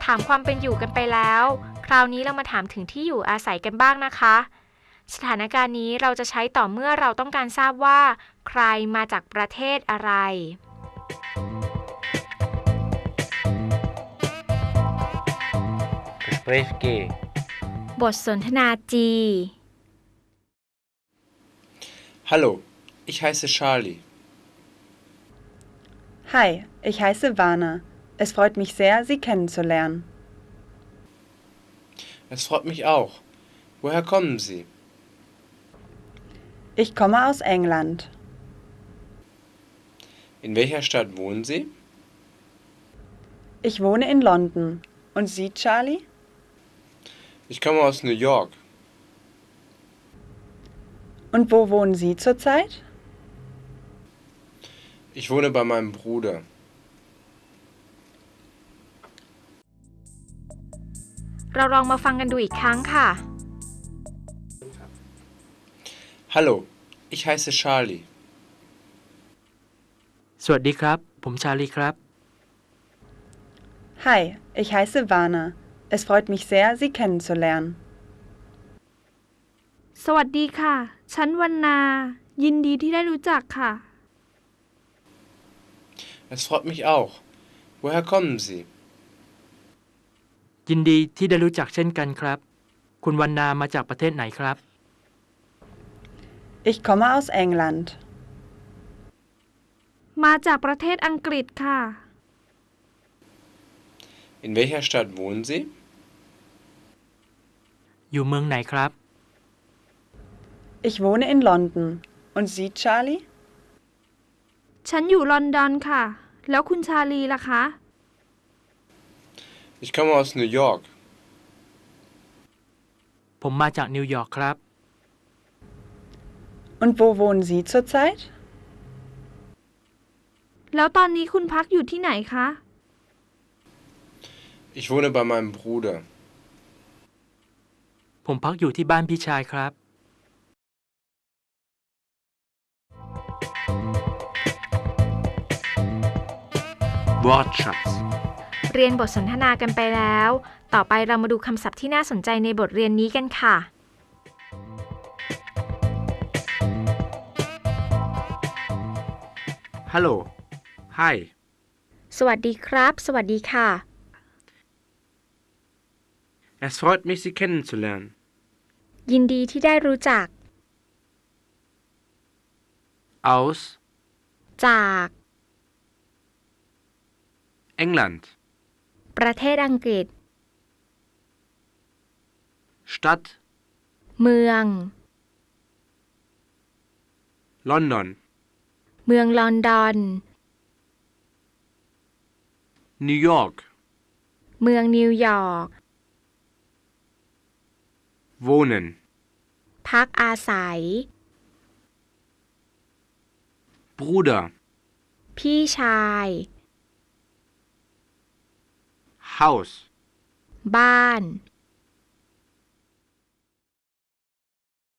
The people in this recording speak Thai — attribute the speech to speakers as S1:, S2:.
S1: ามความเป็นอยู่กันไปแล้วคราวนี้เรามาถามถึงที่อยู่อาศัยกันบ้างนะคะสถานการณ์นี้เราจะใช้ต่อเมื่อเราต้องการทราบว่าใครมาจากประเทศอะไร
S2: Gespräch G
S1: บทสนทนา G
S3: Hallo, ich heiße Charlie.
S4: Hi, ich heiße Vana. Es freut mich sehr, Sie kennenzulernen.
S3: Es freut mich auch. Woher kommen Sie?
S4: Ich komme aus England.
S3: In welcher Stadt wohnen Sie?
S4: Ich wohne in London. Und Sie, Charlie?
S3: Ich komme aus New York.
S4: Und wo wohnen Sie zurzeit?
S3: Ich wohne bei meinem Bruder.
S1: เราลองมาฟังกันดูอีกครั้งค่ะ
S3: Hallo, ich heiße Charlie.
S2: สวัสดีครับผมชาลีครับ
S4: Hi, ich heiße Vana. Es freut mich sehr, Sie kennenzulernen.
S5: สวัสดีค่ะ ฉันวรรณา ยินดีที่ได้รู้จักค่ะ
S3: Es freut mich auch. Woher kommen Sie?
S2: ยินดีที่ได้รู้จักเช่นกันครับคุณวรรณามาจากประเทศไหนครับ
S4: Ich komme aus England.
S5: มาจากประเทศอังกฤษค่ะ
S3: In welcher Stadt wohnen Sie?
S2: อยู่เมืองไหนครับ
S4: Ich wohne in London. Und Sie, Charlie?
S5: ฉันอยู่ลอนดอนค่ะ แล้วคุณชาลีล่ะคะ
S3: Ich komme aus New York.
S2: ผมมาจากนิวยอร์กครับ
S4: Und wo wohnen Sie zurzeit?
S5: แล้วตอนนี้คุณพักอยู่ที่ไหนคะ
S3: Ich wohne bei meinem Bruder.
S2: ผมพักอยู่ที่บ้านพี่ชายครับ
S6: Wortschatz
S1: เรียนบทสนทนากันไปแล้ว ต่อไปเรามาดูคำศัพท์ที่น่าสนใจในบทเรียนนี้กันค่ะ
S6: Hallo. Hi.
S1: สวัสดีครับ สวัสดีค่ะ
S6: Es freut mich, Sie kennenzulernen.
S1: ยินดีที่ได้รู้จัก
S6: Aus
S1: จาก
S6: England.
S1: ประเทศอังกฤษ
S6: Stadt
S1: เมือง
S6: London.
S1: เมืองลอนดอน
S6: New York.
S1: เมืองนิวยอร์ก
S6: Wohnen.
S1: พักอาศัย
S6: Bruder.
S1: พี่ชาย
S6: Haus.
S1: บ้าน